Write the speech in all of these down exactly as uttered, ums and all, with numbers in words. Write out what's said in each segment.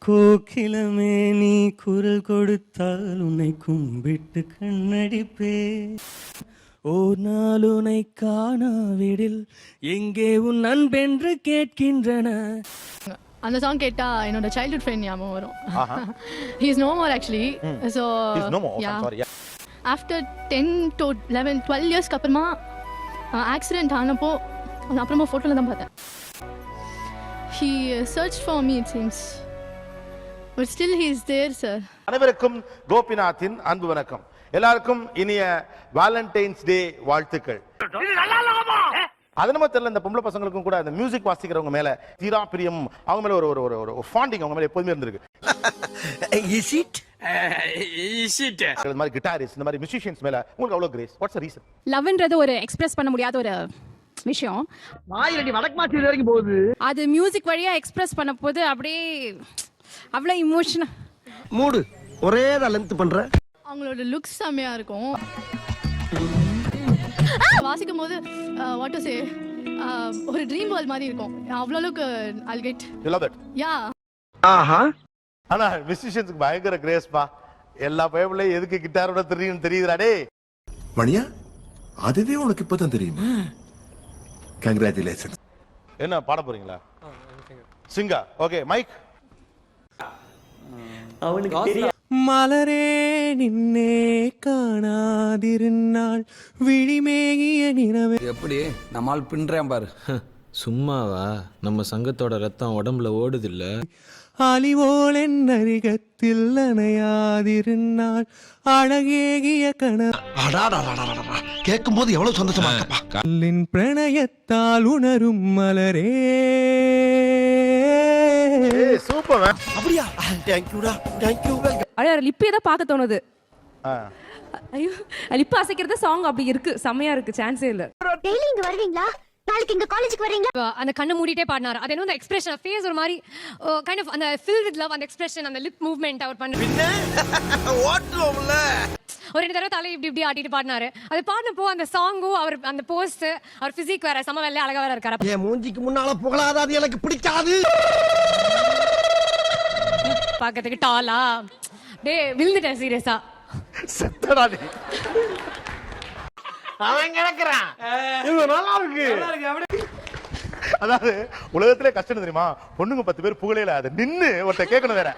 கோகிலமே நீ குரல் கொடுத்தால் உன்னை கும்பிட்டு கண்ணடிப்பே. ஓ நாள் உன்னை காணாவிடில் எங்கே உன் அன்பென்று கேட்கின்றன. அந்த சாங் கேட்டா என்னோட சைல்ட்ஹுட் ஃப்ரெண்ட் ஞாபகம் வரும். He is no more actually. So after ten to eleven twelve இயர்ஸ்க்கு அப்புறமா ஆக்சிடென்ட் ஆனப்போ அப்புறமா ஃபோட்டோவில் தான் பார்த்தேன். He search for me it seems but still he is there sir. அனைவருக்கும் கோபிநாத்தின் அன்பு வணக்கம். எல்லாருக்கும் இனிய வேலண்டைன்ஸ் டே வாழ்த்துக்கள். அது நம்ம தெரியல, இந்த பொம்பளை பசங்களுக்கும் கூட இந்த மியூசிக் வாசிக்கிறவங்க மேல தீரா பிரியம், அவங்க மேல ஒரு ஒரு ஒரு ஃபாண்டிங் அவங்க மேல எப்போதுமே இருந்திருக்கு. இஸ் இட் இஸ் இட் இந்த மாதிரி கிட்டாரிஸ்ட், இந்த மாதிரி மியூசிஷியன்ஸ் மேல உங்களுக்கு அவ்வளவு கிரேஸ். What's the reason? லவ்ன்றது ஒரு எக்ஸ்பிரஸ் பண்ண முடியாத ஒரு விஷயம். ஆயிரடி வடக்கு மாத்தி வரைக்கும் போகுது. அது மியூசிக் வழியா எக்ஸ்பிரஸ் பண்ண போது அப்படியே அவ்வளோ இமோஷனா மூடு ஒரே தான் லென்த் பண்ற. அவங்களோட லுக்ஸ் செம்மையா இருக்கும். வாசிக்கும் போது வாட் டு சே ஒரு ட்ரீம் வேர்ல்ட் மாதிரி இருக்கும். அவ்வளோ அளவுக்கு I'll get. You love that? Yeah. ஆஹா. ஆனா மியூசிஷியன்ஸ்க்கு பயங்கர கிரேஸ் பா. எல்லா பையபிளையும் எதுக்கு கிட்டாரோட தெரியும் தெரியுதுடா டேய். மணியா அதுவே உனக்கு இப்பதான் தெரியுமா? கங்க்ராச்சுலேஷன். என்ன பாட போறீங்களா? சிங்கா. Okay mike. அவனுக்கு தெரியும். மலரே நின்னே காணாதிருந்தாள் விழிமேகிய நிறவே. எப்படி நம்மால் பின்றேன் பாரு. சும்மாவா? நம்ம சங்கத்தோட ரத்தம் உடம்புல ஓடுது இல்ல. அலிவோல் என் அருகத்தில் அணையாதிருந்தாள் அழகேகிய கண. கேட்கும் போது எவ்வளவு சந்தோஷமா இருக்கப்பா. கல்லின் பிரணயத்தால் உணரும் மலரே. சூப்பர். அப்படியா? தேங்க் யூடா. Thank you. அட லிப்பே தான் பார்க்க தோணுது. ஐயோ லிப் அசைக்கிறது சாங் அப்படி இருக்கு, செம்மையா இருக்கு, சான்ஸே இல்ல. டெய்லி இங்க வருவீங்களா? நாளைக்கு இங்க காலேஜுக்கு வரீங்களா? அந்த கண்ணை மூடிட்டே பாடினார். அது என்ன அந்த எக்ஸ்பிரஷன் ஃபேஸ் ஒரு மாதிரி கைண்ட் ஆஃப் அந்த ஃபில் வித் லவ், அந்த எக்ஸ்பிரஷன், அந்த லிப் மூவ்மெண்ட் அவர் பண்ண ஓட்டுவோம்ல. ஒரு ரெண்டு தடவை தலை இப்படி இப்படி ஆட்டிட்டு பாடினாரு. அது பாடினப்போ அந்த சாங்கும் அவர் அந்த போஸ்ட், அவர் பிசிக் வேற சம வெள்ளை அழகா வேற இருக்காரு. என் மூஞ்சிக்கு முன்னால புகழாத, அது எனக்கு பிடிக்காது. பாக்கிறதுக்கு டாலா டே விழுந்துட்டேன் சீரியஸா. செத்தடா நீ. அவன் கிடக்குறான். இது நல்லா இருக்கு. அதாவது உலகத்திலே கஷ்டம் தெரியுமா? பொண்ணுங்க பத்து பேர் புகழையில அதை நின்னு ஒருத்த கேட்கணும் வேற.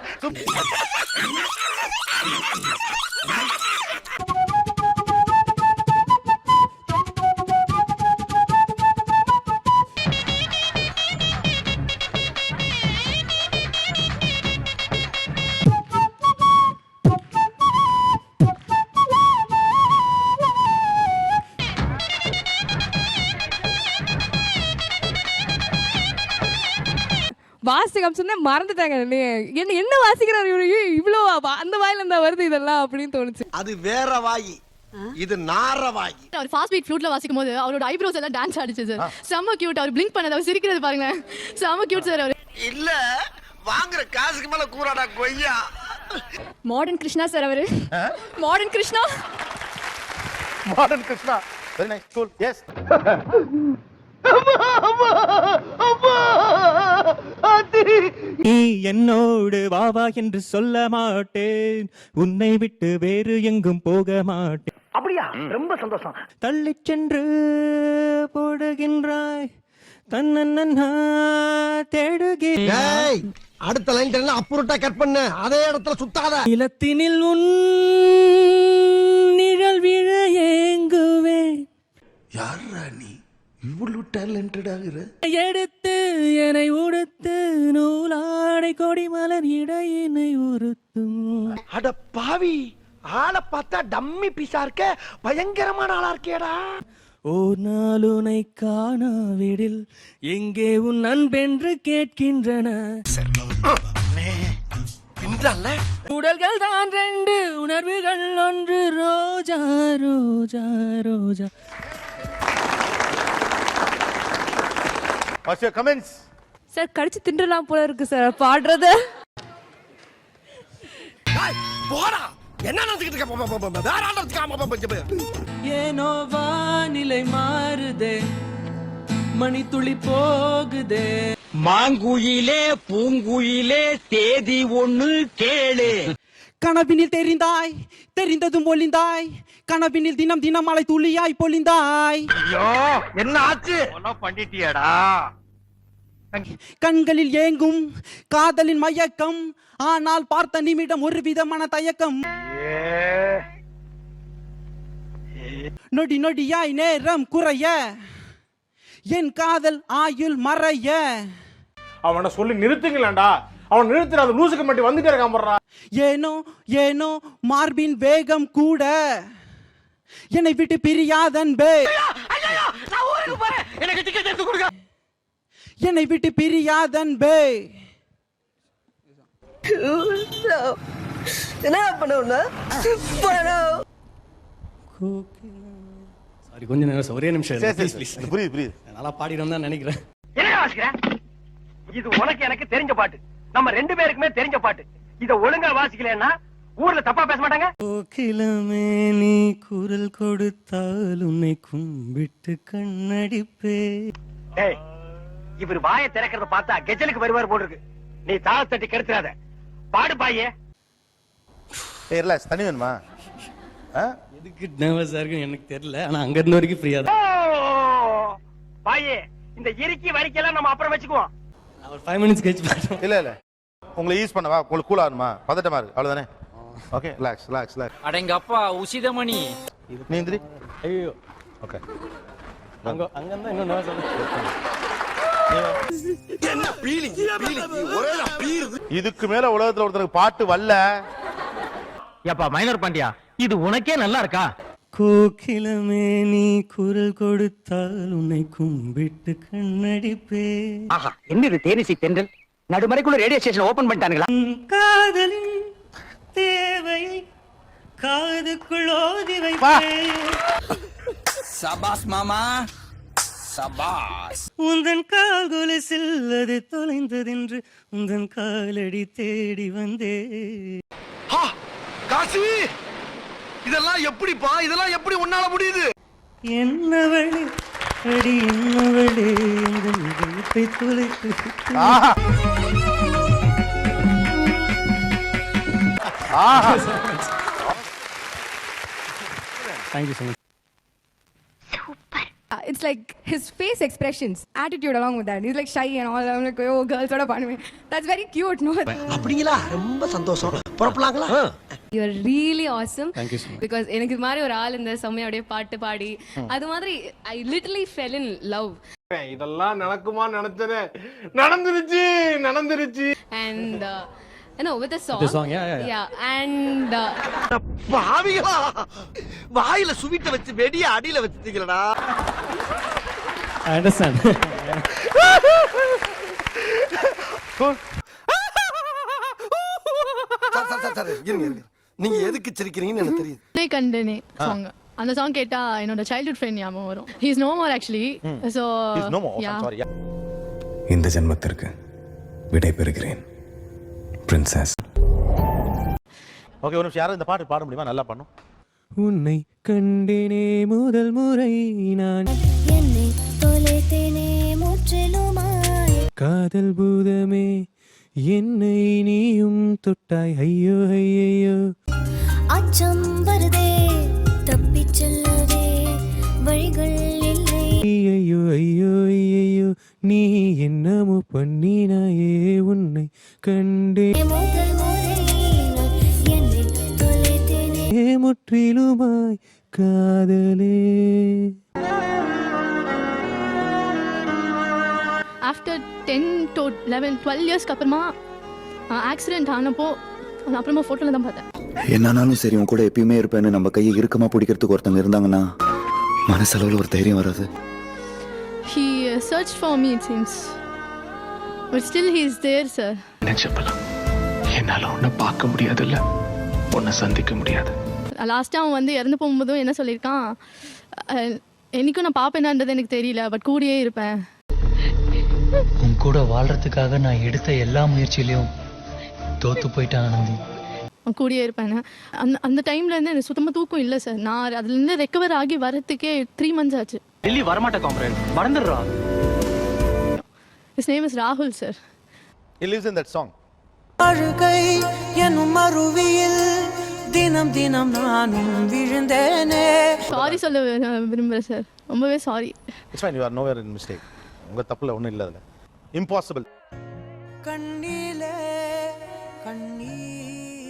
வாசிக்க சொன்னா மறந்துட்டாங்க. என்ன என்ன வாசிக்கிறாரு இவரு, இவ்வளோ அந்த வாயில இருந்தா வருது இதெல்லாம் அப்படின்னு தோணுச்சு. அது வேற வாய், இது நார வாய். அவர் ஃபாஸ்ட் பீட் ஃப்ளூட்ல வாசிக்கும் போது அவரோட ஐப்ரோஸ் எல்லாம் டான்ஸ் ஆடிச்சு சார். செம்ம கியூட். அவர் பிளிங்க் பண்ணது, அவர் சிரிக்கிறது பாருங்க, செம்ம கியூட் சார். அவர் இல்ல வாங்குற காசுக்கு மேல கூறாடா கொய்யா. மாடர்ன் கிருஷ்ணா சார் அவரு. Modern Krishna. Modern Krishna. Very nice. Cool. Yes. நீ என்னோடு வாவா என்று சொல்ல மாட்டேன், உன்னை விட்டு வேறு எங்கும் போக மாட்டேன். அப்படியா? ரொம்ப சந்தோஷம். தள்ளி சென்று போடுகின்றாய் தன்னன்னா தேடுகிறேன். அடுத்த லைன் அப்புறட்டா கட் பண்ண, அதே இடத்துல சுத்தாத. நிலத்தினில் உன் நிழல் விழ ஏங்குவேன். யாரா நீ இவ்வளவு டேலண்டட் ஆகுற? எடுத்து என்னை உடுத்து நூலாடை கொடி மலர் இடையினை உறுத்தும். அட பாவி, ஆளை பார்த்தா டம்மி பீஸா இருக்க, பயங்கரமான ஆளா இருக்கேடா. ஓ நாளுனை காணாவிடில் எங்கே உன் அன்பென்று கேட்கின்றன. உடல்கள் தான் ரெண்டு, உணர்வுகள் ஒன்று. Roja Roja Roja. What's your comments? Sir கடிச்சு தின்றலாம் போல இருக்கு சார் பாடுறது. போடா, என்ன நடந்துக்கிட்டு இருக்க? வேற ஆண்டத்துக்கு ஏனோ வானிலை மாறுதே, மணி துளி போகுதே. மாங்குயிலே பூங்குயிலே தேதி ஒண்ணு கேளு. கனவினில் தெரிந்தாய், தெரிந்ததும் ஒளிந்தாய், கனவினில் தினம் தினம் மலை துளியாய் பொழிந்தாய். ஐயோ என்ன ஆச்சு? பண்ணிட்டியாடா? கண்களில் ஏங்கும் காதலின் மயக்கம், ஆனால் பார்த்த நிமிடம் ஒரு விதமான தயக்கம். நொடி நொடியாய் நேரம் குறைய, என் காதல் ஆயுள் மறைய. அவனை சொல்லி நிறுத்துங்களேன்டா. அவன் நிறுத்துற அது லூசுக்கு மட்டும் வந்துட்டே இருக்கான் போடுறா. ஏனோ ஏனோ மார்பின் வேகம் கூட என்னை விட்டு பிரியாதன்பே, எனக்கு டிக்கெட் எடுத்து கொடுங்க. என்னை விட்டு பிரியாதன்பே. என்ன பண்ணுவா? சாரி, கொஞ்ச நேரம் ஒரே நிமிஷம் சரி, சரி, சரி. புரியுது புரியுது. நல்லா பாடிடும் தான் நினைக்கிறேன். என்ன வாசிக்கிற? இது உனக்கு எனக்கு தெரிஞ்ச பாட்டு, நம்ம ரெண்டு பேருக்குமே தெரிஞ்ச பாட்டு. இத ஒழுங்கா வாசிக்கலன்னா ஊர்ல தப்பா பேச மாட்டாங்க. கோகிலமே நீ குரல் கொடுத்தால் உன்னை கும்பிட்டு கண்ணடிப்பே. டேய், இவர் வாயை திறக்கிறத பார்த்தா கெஜலுக்கு வருவார் போல இருக்கு. நீ தாள தட்டி கெடுத்துறாத. பாடு பாயே. ஏய் ரிலாக்ஸ், தண்ணி வேணுமா? ஆ? எதுக்கு நர்வஸா இருக்குன்னு எனக்கு தெரியல, ஆனா அங்க இருந்த வரைக்கும் ஃப்ரீயா தான். பாயே, இந்த இறுக்கி வரிக்கெல்லாம் நம்ம அப்புறம் வச்சுக்குவோம். ஒரு ஃபைவ் மினிட்ஸ் கழிச்சு பாடுறோம். இல்ல இல்ல, உங்களை யூஸ் பண்ணவா? உங்களுக்கு கூல் ஆகணுமா? பதட்டமா இருக்கு, அவ்வளவுதானே? Okay, relax relax relax. அடங்கப்பா உசிதமணி. நீ எந்திரி. ஐயோ, ஓகே. அங்க அங்க இருந்தா இன்னும் நர்வஸ் என்ன பீலிங் பீலிங் ஒரே பீல். இதுக்கு மேல உலகத்துல ஒருத்தருக்கு பாட்டு வரல. ஏப்பா மைனர் பாண்டியா, இது உனக்கே நல்லா இருக்கா? கோகிலமே நீ குரல் கொடுத்தால் உன்னை கும்பிட்டு கண்ணடிப்பே. ஆஹா, என்ன இது தேனிசி தென்றல் நடுமறைக்குள்ள ரேடியோ ஸ்டேஷன் ஓபன் பண்ணிட்டானுங்களா? காதலின் தேவையை காதுக்குள் ஓதி வைப்பேன். சபாஸ் மாமா சபாஸ். உந்தன் கால் கொலுசில் அது தொலைந்ததென்று உந்தன் காலடி தேடி வந்தே. காசி, இதெல்லாம் எப்படிப்பா? இதெல்லாம் எப்படி உன்னால முடியுது? என்னவளே அடி என்னவளே எங்கள் இதயத்தை தொலைத்து. ஆஹா ஆஹா. Thank you so much. It's like his face expressions, attitude along with that. He's like shy and all. I'm like, oh, girls, what a me. That's very cute, no? அப்படிங்களா? ரொம்ப சந்தோஷம். புறப்படலாங்களா? You are really awesome. Thank you so much. Because எனக்கு இது மாதிரி ஒரு ஆள் இந்த செம்மையோட பாட்டு பாடி அது மாதிரி I literally fell in love. இதெல்லாம் நடக்குமா நினைச்சனே, நடந்துருச்சு நடந்துருச்சு. And uh, you know, with the song. The song, yeah, yeah, yeah. Yeah, and uh, பாவிகளா, வாயில சுவிட்ட வச்சு வெடிய அடியில வச்சிட்டீங்களடா. I understand. Sir sir sir sir இருங்க இருங்க. நீங்க எதுக்கு சிரிக்கிறீங்கன்னு எனக்கு தெரியுது. உன்னை கண்டனே சாங், அந்த சாங் கேட்டா என்னோட சைல்ட்ஹுட் ஃப்ரெண்ட் ஞாபகம் வரும். He is no more actually. So He's no more. yeah. I'm sorry. Yeah. இந்த ஜென்மத்திற்கு விடை பெறுகிறேன் பிரின்சஸ். ஓகே, ஒரு நிமிஷம். யாரும் இந்த பாட்டு பாட முடியுமா? நல்லா பண்ணும். உன்னை கண்டேனே முதல் முறை நான், என்னை தொலைத்தேனே முற்றிலுமாய், காதல் பூதமே என்னை நீயும் தொட்டாய். ஐயோ ஐயோ, அச்சம் வருதே தப்பிச் செல்லவே வழிகள் இல்லை. ஐயோ ஐயோ ஐயோ, நீ என்னமோ பண்ணினாயே. உன்னை கண்டே முதல் முறை நான் என்னை தொலைத்தேனே முற்றிலுமாய் காதலே. After ten to eleven twelve இயர்ஸ்க்கு அப்புறமா ஆக்சிடென்ட் ஆனப்போ அது அப்புறமா ஃபோட்டோவில் தான் பார்த்தேன். என்னானாலும் சரி உன் கூட எப்பயுமே இருப்பேன்னு நம்ம கையை இறுக்கமா பிடிக்கிறதுக்கு ஒருத்தங்க இருந்தாங்கன்னா மனசளவில் ஒரு தைரியம் வராது. He uh, searched for me, it seems. But still he is there, sir. நினைச்சப்பலாம் என்னால உன்னை பார்க்க முடியாதுல்ல, உன்னை சந்திக்க முடியாது. லாஸ்ட்டாக அவன் வந்து இறந்து போகும்போதும் என்ன சொல்லியிருக்கான், அஹ், என்னைக்கும் நான் பார்ப்பேனான்றது எனக்கு தெரியல, பட் கூடயே இருப்பேன். உன் கூட வாழ்றதுக்காக நான் எடுத்த எல்லா முயற்சியிலையும் தோத்து போயிட்டேன் ஆனந்தி. அவன் கூடயே இருப்பேன். அந்த அந்த டைம்லேருந்து எனக்கு சுத்தமாக தூக்கம் இல்லை சார். நான் அதுலேருந்து ரெக்கவர் ஆகி வரத்துக்கே த்ரீ மந்த்ஸ் ஆச்சு. டெல்லி வரமாட்டேன் காம்ரேட், மறந்துடுறா. His name is Rahul, sir. He lives in that song. அழுகை என்னும் அருவியில் தினம் தினம் நானும் விழுந்தேனே. சாரி சொல்ல வி- விரும்புகிறேன் சார். ரொம்பவே sorry. It's fine, you are nowhere in mistake. உங்க தப்புல ஒண்ணும் இல்ல அதுல. Impossible. கண்ணிலே கண்ணீர்